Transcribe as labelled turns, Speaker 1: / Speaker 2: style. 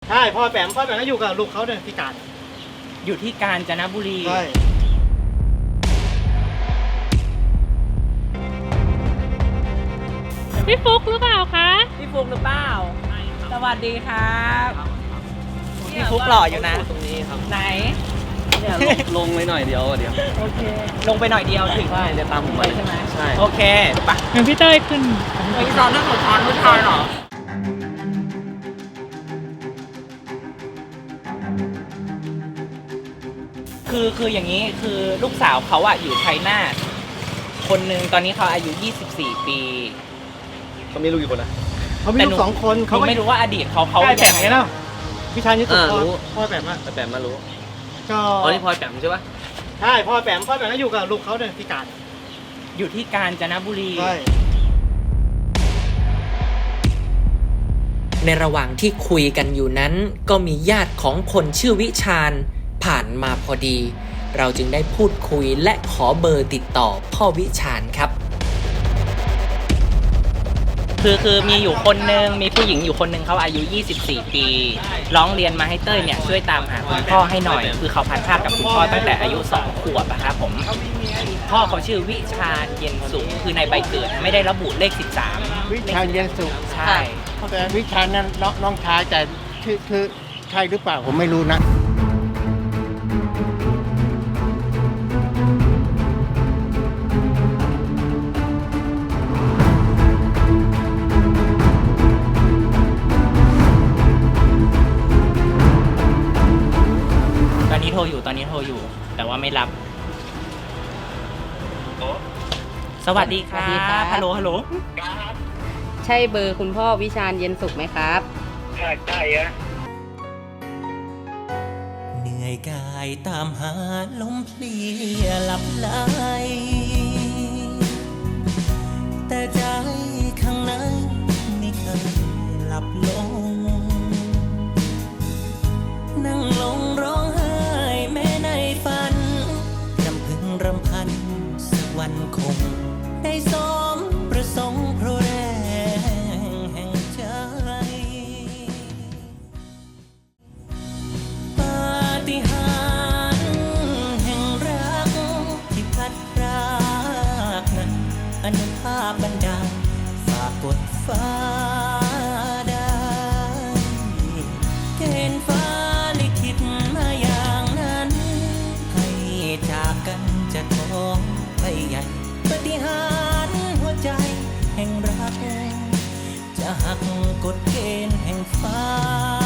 Speaker 1: ใช่พ่อแปมก็อยู่กับลูกเขาเนี่ยที่การ
Speaker 2: อยู่ที่กาญจนบุรี
Speaker 1: ใช่
Speaker 3: พี่ฟุกหรือเปล่าคะ
Speaker 2: พี่ฟุกหรือเปล่าสวัสดีครับพี่ฟุกหล่ออยู่นะ
Speaker 4: ตรงนี้ครับ
Speaker 2: ไหน
Speaker 4: เนี่ยลงไปหน่อยเดียวเดี๋ยว
Speaker 2: โอเคลงไปหน่อยเดียวถึง
Speaker 4: ใช่เดี๋ยวตามผมไป
Speaker 2: ใช่ไหม
Speaker 4: ใช่
Speaker 2: โอเคไป
Speaker 3: งั้นพี่เต้ยขึ้น
Speaker 2: ไปซ้อนนั่งหัวช้อนผู้ชายเหรอคืออย่างนี้คือลูกสาวเขาอะอยู่ชัยนาทคนหนึ่งตอนนี้เขาอายุ 24 ปี
Speaker 4: เขามีลูกกี่คนนะ
Speaker 1: เขามีลูก2 คน
Speaker 2: เขาไม่รู้ว่าอดีตเขา
Speaker 1: ใช่แปมไงเนาะพี่ชายนี่สุด
Speaker 4: รู้
Speaker 1: พ่อแปมอะ
Speaker 4: แต่แปมมารู้
Speaker 1: ก็
Speaker 4: อ๋อนี่พลอยแปมใช่ปะ
Speaker 1: ใช่พ่อแปมก็อยู่กับลูกเขาเนี่ยที่การ
Speaker 2: อยู่ที่กาญจนบุรี
Speaker 1: ใช่
Speaker 5: ในระหว่างที่คุยกันอยู่นั้นก็มีญาติของคนชื่อวิชาญผ่านมาพอดี เราจึงได้พูดคุยและขอเบอร์ติดต่อพ่อวิชาญครับ
Speaker 2: คือมีอยู่คนหนึ่งมีผู้หญิงอยู่คนหนึ่งเขาอายุ 24 ปี ร้องเรียนมาให้เต้ยเนี่ยช่วยตามหาคุณพ่อให้หน่อย คือเขาพันภาพกับคุณพ่อตั้งแต่อายุ 2 ขวบอะครับผมพ่อเขาชื่อวิชาญเย็นสุขคือในใบเกิดไม่ได้ระบุเลข 13
Speaker 6: วิชาญเย็นสุข
Speaker 2: ใช่
Speaker 6: แต่วิชาญนั้นน้องชายแต่คือใช่หรือเปล่าผมไม่รู้นะ
Speaker 2: ตอนนี้โทรอยู่ แต่ว่าไม่รับ สวัสดีครั
Speaker 7: สวัสดีครับ บ
Speaker 2: ฮัลโหล
Speaker 7: ใช่เบอร์คุณพ่อวิชาญเย็นสุขไหมครับ
Speaker 5: เหนื่อยกายตามหาลมเพลียหลับไหลแต่ใจข้างในไม่เคยหลับลง นั่งลงร้องไห้แม้ในฝันรำพึงรำพันสักวันคง ได้สมประสงค์เพราะแรงแห่งใจ ปาฏิหาริย์แห่งรักที่พัดพรากนั้นอนุภาพบันดาลฝากกดฟ้าได้เกณฑ์ฟ้าลิขิตมาอย่างนั้น ให้จากกันจะท้องไปใหญ่ปาฏิหาริย์หัวใจแห่งรัก จะหักกฎเกณฑ์แห่งฟ้า